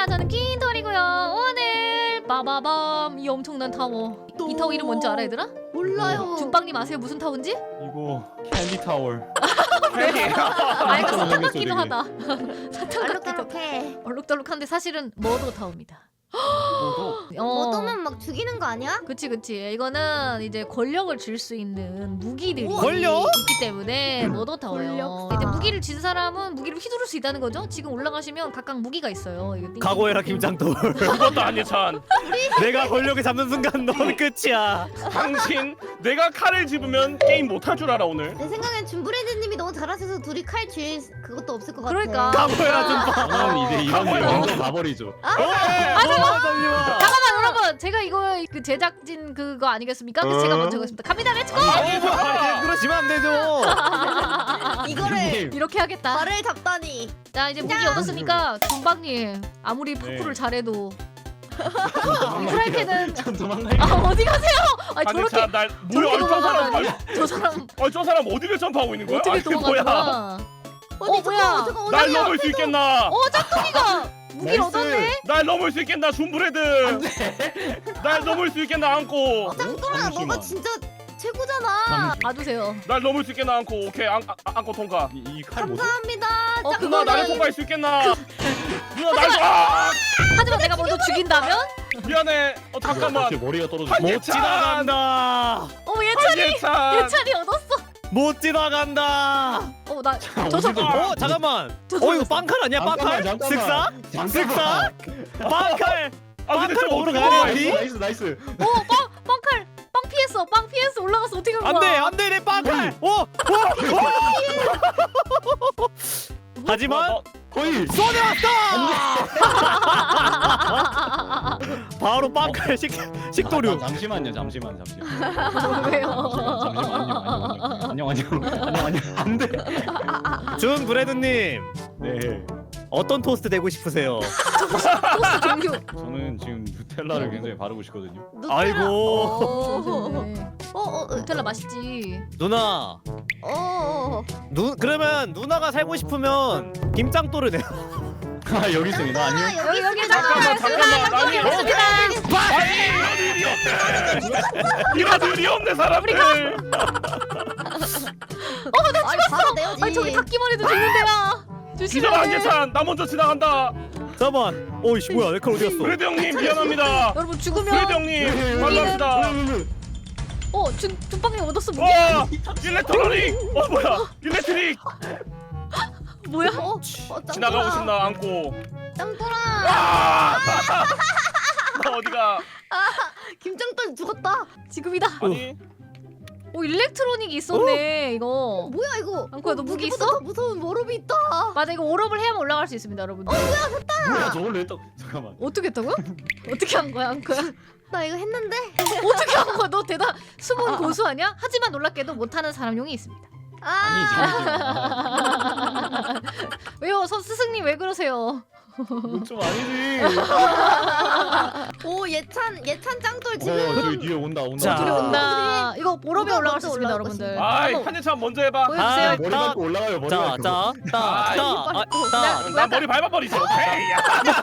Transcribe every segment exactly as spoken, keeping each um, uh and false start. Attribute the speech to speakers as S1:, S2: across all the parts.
S1: 안녕하십니까. 저는 퀸돌이고요. 오늘 빠바밤 이 엄청난 타워. 이 타워 이름 뭔지 알아 얘들아?
S2: 몰라요.
S1: 준빵님 아세요 무슨 타워인지?
S3: 이거 캔디 타워.
S1: 아 약간 사탕 같기도 하다. 사탕 같기도
S2: 알록달록해.
S1: 얼룩덜룩한데 사실은 머더 타워입니다.
S3: 뭐도?
S1: 어.
S2: 얻으면 막 죽이는 거 아니야?
S1: 그치 그치. 이거는 이제 권력을 줄 수 있는 무기들이
S4: 권력?
S1: 있기 때문에 머더 타워예요.
S2: 권력사.
S1: 이제 무기를 쥔 사람은 무기를 휘두를 수 있다는 거죠. 지금 올라가시면 각각 무기가 있어요. 이거 띵-
S4: 각오해라 김장돌.
S5: 그것도 아니찬.
S4: 내가 권력을 잡는 순간 넌 끝이야.
S5: 당신 내가 칼을 집으면 게임 못할 줄 알아 오늘.
S2: 내 생각엔 준브레드님이 너무 잘하셔서 둘이 칼 쥐일 그것도 없을 것 같아.
S1: 그러니까.
S4: 각오해라 좀 봐.
S3: 저는 이제 이런 일
S5: 가봐요.
S3: 먼저 가버리죠.
S1: 아,
S4: 잠깐만.
S1: 잠깐만 여러분, 제가 이거 그 제작진 그거 아니겠습니까? 그래서 제가 먼저 하겠습니다. 갑니다, 렛츠고!
S4: 아니 그러시면 안 되죠.
S2: 이거를
S1: 이렇게 하겠다.
S2: 말을 잡다니.
S1: 자 이제 무기 얻었으니까 준박님 아무리 파쿠를 잘해도 이 프라이팬은
S3: 전 도망갈게요.
S1: 아 어디 가세요? 아니
S5: 아니
S1: 저렇게
S5: 참, 날 뭐야?
S1: 저렇게
S5: 아니, 저 사람,
S1: 도망가다니.
S5: 아니,
S1: 저 사람
S5: 아니, 저 사람 어디를 점프하고 있는 거야?
S1: 어떻게
S5: 아니,
S1: 도망가는
S5: 뭐야?
S1: 거야?
S2: 아니,
S1: 어, 뭐야?
S2: 잠깐만, 잠깐만,
S5: 날
S2: 어디야?
S5: 넘을 수 있겠나?
S1: 어 짝퉁이가 무기를
S3: 나이스.
S1: 얻었네?
S5: 날 넘을 수 있겠나? 준브레드. 날 넘을 수 있겠나? 안고.
S2: 짱돌아,
S3: 잠시만.
S2: 너가 진짜 최고잖아.
S1: 봐주세요.
S5: 날 넘을 수 있겠나? 안고. 오케이, 안, 안, 안고 통과.
S3: 이칼 뭐지?
S2: 감사합니다.
S1: 어,
S2: 짱돌아.
S5: 누나 나를 통과할 수 있겠나? 누나 날 아!
S1: 하지만 내가 먼저 죽인다면?
S5: 미안해. 어 잠깐만.
S3: 제 머리가 떨어져.
S5: 한
S4: 못
S5: 예찬.
S4: 지나간다.
S1: 어 예찬이
S5: 한예찬.
S1: 예찬이 얻었어.
S4: 못 지나간다.
S1: 어나
S3: 자,
S1: 저
S3: 어디로
S1: 사람
S3: 가?
S4: 어 잠깐만.
S1: 저
S4: 어
S1: 사람
S4: 이거 빵칼 아니야? 빵칼?
S3: 잠깐만,
S4: 쓱싹?
S3: 잠깐만.
S4: 쓱싹? 빵칼.
S5: 아 근데
S4: 빵칼
S5: 저거
S4: 먹으러
S5: 어떻게
S4: 가야
S5: 먹어야
S4: 돼,
S5: 돼?
S3: 나이스 나이스.
S1: 어빵 빵칼 빵 피했어 빵 피했어 올라가서 어떻게 한 거야?
S4: 안돼 안돼 내 빵칼. 오! 오! 오! 하지만
S5: 어,
S3: 거의.
S4: 손에 왔다. 바로 빵칼 식 식도류.
S3: 아, 잠시만요 잠시만 잠시만.
S1: 왜요?
S3: 잠시만 안녕 안녕 안녕 안녕 안녕 안돼.
S4: 준 브레드님
S3: 네.
S4: 어떤 토스트 되고 싶으세요?
S1: 토스트 종류.
S3: 저는 지금 누텔라를 굉장히 바르고 싶거든요.
S2: 누텔라.
S4: 아이고
S1: 어,
S2: 어, 어, 어,
S1: 누텔라 맛있지.
S4: 누나.
S2: 어, 어.
S4: 누 그러면 누나가 살고 싶으면 김장도를 내.
S3: 아 여기 있습니다. 안녕.
S2: 아,
S1: 여기 여기
S5: 잠깐만 잠깐만. 아니
S1: 여기 있습니다.
S5: 아니 이런 일이 없네. 이런 일이 없네 사람들.
S2: 아니, 바로 내야지.
S1: 아니 저기 닿기만 해도 죽는데요. 조심해.
S5: 기절 한예찬. 나 먼저 지나간다.
S4: 잠깐만. 어이씨 뭐야 내 칼 어디 갔어?
S5: 브레드 형님 미안합니다.
S1: 여러분
S5: 브레드
S1: 죽으면
S5: 형님 만납시다.
S1: 어준 준빵님 얻었어 무기.
S5: 와 일렉트로닉. 어 뭐야 일렉트릭.
S1: 뭐야?
S2: 어, 어, 짱돌아.
S5: 지나가고 싶나 안고.
S2: 짱돌아.
S5: 아! 나 어디가?
S2: 김짱돌 죽었다.
S1: 지금이다.
S5: 아니
S1: 오 일렉트로닉이 있었네 이거.
S2: 뭐야 이거?
S1: 앙코야, 너
S2: 어,
S1: 무기
S2: 무기보다
S1: 있어?
S2: 더 무서운 워럽이 있다.
S1: 맞아 이거 오럽을 해야만 올라갈 수 있습니다 여러분. 어
S3: 뭐야 저걸로 했다. 잠깐만.
S1: 어떻게 했다고요? 어떻게 한 거야 앙코야?
S2: 나 이거 했는데.
S1: 어떻게 한 거야? 너 대단 숨은 고수 아니야? 하지만 놀랍게도 못하는 사람용이 있습니다.
S3: 아니
S2: 아.
S3: 잠시만.
S1: 왜요? 선 스승님 왜 그러세요?
S3: 이건 좀 아니지.
S2: 오 예찬 예찬 짱돌
S3: 어
S2: 지금.
S3: 저기 뒤에 온다 온다.
S4: 자.
S1: 둘이 온다. 이거 오럽에
S2: 누가
S1: 올라갈
S2: 먼저
S1: 수 있습니다
S2: 올라갈
S1: 여러분들.
S5: 아이
S1: 한번
S5: 한예찬 먼저 해봐.
S1: 보여주세요.
S4: 아,
S3: 머리
S4: 딱.
S3: 밟고 올라가요 머리 밟고.
S4: 자자따따
S5: 나 머리 밟아버리지. 오케이.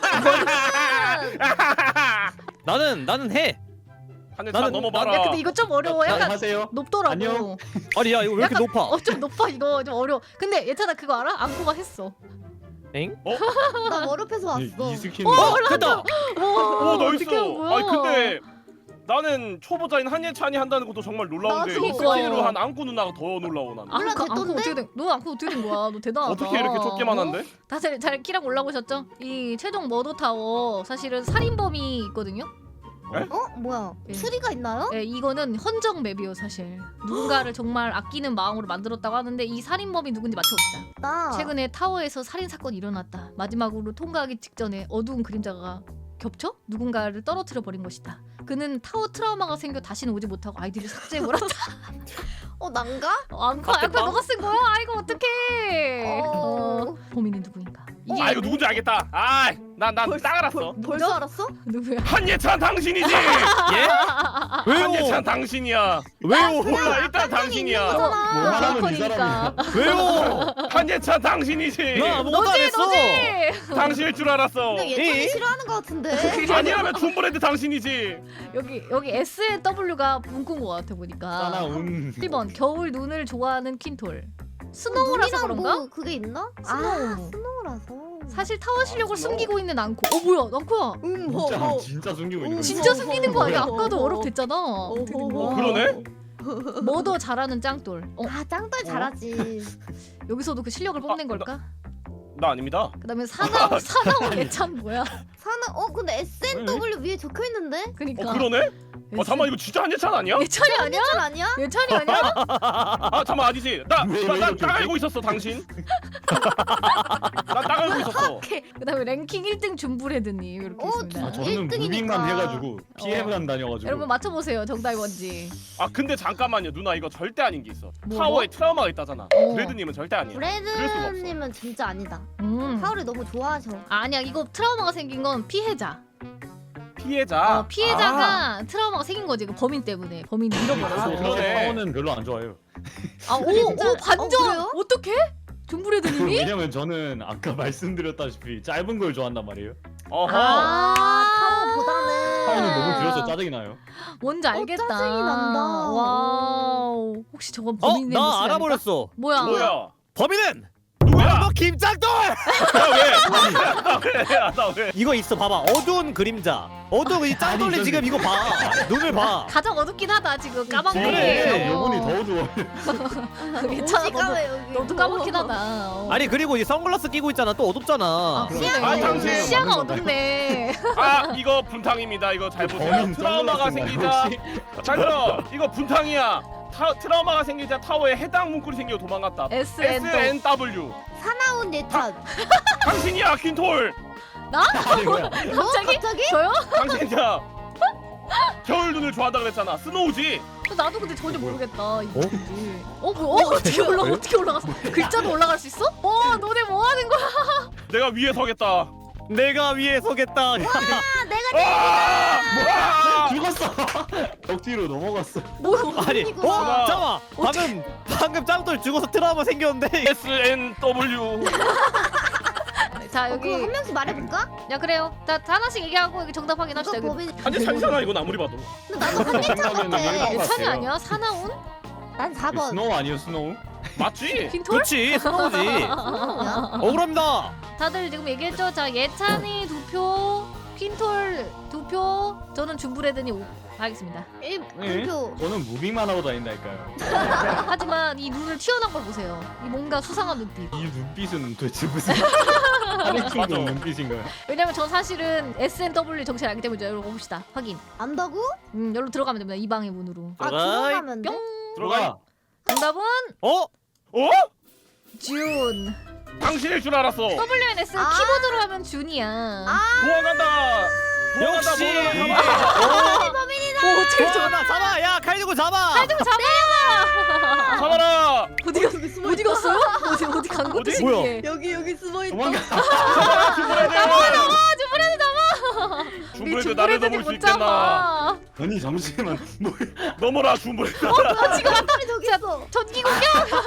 S4: 나는 나는 해.
S5: 한예찬
S4: 나는-
S5: 넘어봐라.
S1: 야 근데 이거 좀 어려워.
S3: 나
S1: 약간
S3: 하세요.
S1: 높더라고.
S3: 안녕.
S4: 아니 야 이거 왜 이렇게
S1: 약간-
S4: 높아?
S1: 어 좀 높아 이거 좀 어려워. 근데 예찬아 그거 알아? 앙코가 했어.
S4: 엥?
S2: 나 워럽에서 왔어.
S3: 이, 이 스킨.
S4: 어 됐다.
S1: 와
S5: 오
S1: 어떻게 한
S5: 나이스.
S1: 거야?
S5: 아니 근데 나는 초보자인 한예찬이 한다는 것도 정말 놀라운데
S2: 나도.
S5: 이 스킬로 한 안구 누나가 더 놀라워 나는.
S2: 몰라,
S1: 앙코 앙코
S2: 됐던데?
S1: 어떻게 된? 너 앙코 어떻게 된 거야? 너 대단하다.
S5: 어떻게 이렇게 좁게만 한데?
S1: 다들 잘 키랑 올라오셨죠? 이 최종 머더 타워 사실은 살인범이 있거든요.
S2: 어 뭐야?
S1: 예.
S2: 추리가 있나요?
S1: 네, 이거는 헌정 맵이요 사실. 누군가를 정말 아끼는 마음으로 만들었다고 하는데 이 살인범이 누군지 맞춰봅시다.
S2: 나
S1: 최근에 타워에서 살인 사건이 일어났다. 마지막으로 통과하기 직전에 어두운 그림자가 겹쳐 누군가를 떨어뜨려 버린 것이다. 그는 타워 트라우마가 생겨 다시는 오지 못하고 아이디를 삭제해버렸다.
S2: 어 난가?
S1: 어, 앙카, 앙카
S4: 맞겠다.
S1: 너가 쓴 거야? 아이고 어떡해.
S2: 어.
S1: 어, 범인은 누구인가? 이게
S5: 아 이거 누군지 알겠다. 아난난 딱 알았어.
S2: 벌써 알았어?
S1: 누구야?
S5: 한예찬 당신이지.
S4: 예?
S5: 한예찬
S4: 왜요?
S5: 당신이야.
S4: 왜요?
S5: 몰라 일단 당신이야.
S3: 뭐 하라면 이
S1: 스토커니까.
S4: 왜요?
S5: 한예찬 당신이지.
S4: 나 아무것도 안
S1: 너지
S4: 했어.
S1: 너지.
S5: 당신일 줄 알았어.
S2: 근데 예찬이
S4: 이?
S2: 싫어하는 것 같은데.
S5: 아니라면 줌브레드 당신이지.
S1: 여기 여기 에스 앤 더블유가 문구인 것 같아 보니까.
S3: 사나운.
S1: 일 번 겨울 눈을 좋아하는 킨톨. 스노우라서
S2: 눈이랑
S1: 그런가?
S2: 뭐 그게 있나?
S1: 스노우.
S2: 아 스노우라서.
S1: 사실 타워 실력을
S5: 아, 스노우.
S1: 숨기고 있는 앙코. 어 뭐야 앙코야.
S2: 음,
S3: 진짜 진짜 숨기고 있는 거.
S1: 진짜 숨기는 거 아니야?
S2: 뭐야?
S1: 아까도 어렵댔잖아.
S5: 어, 그러네.
S1: 뭐 더 잘하는 짱돌. 어
S2: 아 짱돌 잘하지.
S1: 여기서도 그 실력을 뽐낸
S5: 아,
S1: 걸까?
S5: 나 아닙니다.
S1: 그다음에 사나우 사나우 예찬 뭐야?
S2: 사나 어 근데 에스 앤 더블유 위에 적혀 있는데?
S1: 그니까.
S5: 어 그러네. 어 잠만 이거 진짜 한예찬 아니야?
S1: 예찬이 아니야?
S2: 짱 아니야?
S1: 예찬이 아니야?
S5: 아 잠만 아니지.
S3: 왜, 왜
S5: 나나딱
S3: 이렇게
S5: 알고 있었어 당신. 나딱 알고 있었어.
S1: 그다음에 랭킹 일 등 줌브레드님 이렇게
S2: 어,
S1: 있습니다.
S3: 아, 저는
S2: 일 등이니까.
S3: 무빙만 해가지고 피해만
S1: 어.
S3: 다녀가지고.
S1: 여러분 맞춰보세요 정답이 뭔지.
S5: 아 근데 잠깐만요 누나 이거 절대 아닌 게 있어.
S1: 뭐,
S5: 타워에 트라우마가 있다잖아.
S1: 어.
S5: 브레드님은 절대 아니야. 그럴 수가 없어.
S2: 브레드님은 진짜 아니다.
S1: 음.
S2: 타오를 너무 좋아하셔.
S1: 아니야 이거 트라우마가 생긴 건 피해자.
S5: 피해자.
S1: 어, 피해자가 트라우마가 생긴 거지 그 범인 때문에 범인이 잃어버려서.
S5: 아, 그러네.
S3: 타워는 별로 안 좋아해요.
S1: 아오오
S2: 진짜?
S1: 반전.
S2: 어, 그래요?
S1: 어떻게? 줌브레드님이?
S3: 왜냐면 저는 아까 말씀드렸다시피 짧은 걸 좋아한단 말이에요.
S5: 어허.
S2: 아 타워보다는.
S3: 타워는 너무 길어서 짜증이 나요.
S1: 뭔지 알겠다.
S2: 짜증이 난다.
S1: 와우. 혹시 저건
S4: 어?
S1: 범인의 모습이
S4: 나
S1: 아닐까?
S4: 알아버렸어.
S1: 뭐야?
S5: 뭐야?
S4: 범인은
S5: 누구야?
S4: 너 김짱돌.
S5: 나 왜? 나 왜? 나 왜?
S4: 이거 있어 봐봐. 어두운 그림자. 어두운 이 짱돌이
S3: 아니,
S4: 지금 이거 봐. 눈을 봐.
S1: 가장 어둡긴 하다 지금
S3: 그래,
S1: 까만색이.
S3: 요번이 더 어두워.
S1: 괜찮아
S2: 오지
S1: 너도,
S2: 까매 여기.
S1: 너도 까맣긴 하다. 어.
S4: 아니 그리고 이 선글라스 끼고 있잖아. 또 어둡잖아.
S1: 아,
S3: 그래.
S1: 그러네.
S5: 아, 당신.
S1: 시야가 어둡네.
S5: 아 이거 분탕입니다. 이거 잘 보세요.
S3: 범인
S5: 트라우마가
S3: 선글라스
S5: 생기자.
S3: 말고
S5: 잘 들어. 이거 분탕이야. 타, 트라우마가 생기자 타워에 해당 문구리 생겨 도망갔다.
S1: 에스
S5: 에스
S1: 앤
S5: 엔 더블유.
S2: 사나운 예찬.
S5: 당신이야 퀸톨.
S3: 아니 뭐야?
S2: 너
S1: 갑자기?
S2: 갑자기?
S1: 저요?
S5: 당신이야. 겨울 눈을 좋아한다 그랬잖아. 스노우지.
S1: 나도 근데 전혀 모르겠다. 이거 뭔지. 어? 뭐? 어? 어떻게 올라? 어떻게 올라갔어? 글자도 올라갈 수 있어? 어? 너네 뭐 하는 거야?
S5: 내가 위에 서겠다.
S4: 내가 위에 서겠다.
S2: 아 내가
S5: 아! 아!
S3: 죽었어. 벽 뒤로 넘어갔어.
S1: 뭐?
S4: 아니,
S2: 이거
S4: 어?
S5: 봐.
S4: 잠깐만. 방금 방금 짱돌 죽어서 트라우마 생겼는데.
S5: 에스 엔 더블유.
S1: 자
S2: 어, 그거 한
S1: 여기.
S2: 명씩 말해볼까?
S1: 야 그래요. 자 하나씩 얘기하고 여기 정답 확인합시다.
S2: 이거
S1: 여기.
S2: 범인.
S5: 한예찬이잖아 이건 아무리 봐도.
S2: 근데 나도 한예찬
S3: 생각에는
S2: 같아.
S3: 일반
S1: 예찬이
S3: 같아요.
S1: 아니야? 사나운?
S2: 난 사 번.
S3: 스노우 아니에요 스노우?
S5: 맞지?
S1: 퀸톨?
S4: 그렇지. 스노우지.
S2: 뭐야?
S4: 억울합니다.
S1: 다들 지금 얘기했죠? 자 예찬이 두 표, 퀸톨 두 표, 저는 줌브레드니 오. 알겠습니다.
S2: 일
S3: 네.
S2: 표.
S3: 저는 무빙만 하고 다닌다니까요.
S1: 하지만 이 눈을 튀어나온 걸 보세요. 이 뭔가 수상한 눈빛.
S3: 이 눈빛은 도대체 무슨 하리충
S5: 맞아.
S3: 눈빛인가요?
S1: 왜냐면 전 사실은 에스 앤 더블유 정체를 알기 때문에 여러분 봅시다. 확인.
S2: 안다고?
S1: 음, 여기로 들어가면 됩니다. 이 방의 문으로.
S2: 아
S4: 들어가.
S2: 들어가면 돼?
S1: 뿅.
S5: 들어가.
S1: 정답은
S4: 어?
S5: 어?
S1: 준.
S5: 당신일 줄 알았어.
S1: 더블유 엔 에스
S2: 아.
S1: 키보드로 하면 준이야.
S2: 아
S5: 도망간다. 도망간다.
S4: 역시.
S5: 도망간다.
S1: 오, 어떻게 저
S4: 잡아 잡아. 야 칼 들고 잡아.
S1: 칼 들고 잡아.
S5: 잡아라.
S1: 어디 갔 어디 갔어요? 어디 어디 간 것도
S5: 어디?
S1: 신기해.
S2: 여기 여기 숨어 있다.
S3: 도망가.
S5: 잡아라 줌브레드.
S1: 줌브레드 잡아.
S5: 줌브레드 나를 넘을 수
S1: 못
S5: 있겠나?
S1: 잡아.
S3: 아니 잠시만. 뭐
S5: 넘어라 줌브레드.
S1: 어, 지금
S2: 사람이 저기 있어.
S1: 전기 공격.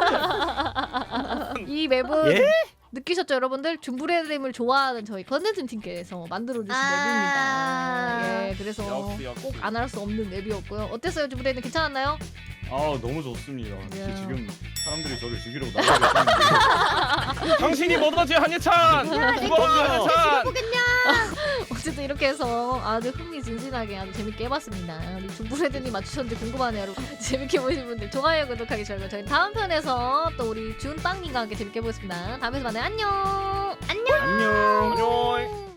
S1: 이 맵은
S4: 예?
S1: 느끼셨죠 여러분들? 줌브레드님을 좋아하는 저희 컨텐츠 팀께서 만들어주신
S2: 아.
S1: 맵입니다. 예, 그래서
S5: 역시, 역시.
S1: 꼭 안 할 수 없는 맵이었고요. 어땠어요 줌브레드 괜찮았나요?
S3: 아 너무 좋습니다.
S1: 야.
S3: 지금 사람들이 저를 죽이려고 나가고 있는데
S5: 당신이 뭐든지 한예찬. 죽어 한예찬.
S2: 보겠냐?
S1: 어쨌든 이렇게 해서 아주 흥미진진하게 아주 재밌게 해봤습니다. 우리 줌브레드님 맞추셨는지 궁금하네요 여러분. 재밌게 보신 분들 좋아요 구독하기 좋아요. 저희 다음 편에서 또 우리 준빵님과 함께 재밌게 해보겠습니다. 다음에서 만나요. 안녕.
S3: 안녕.
S5: 안녕.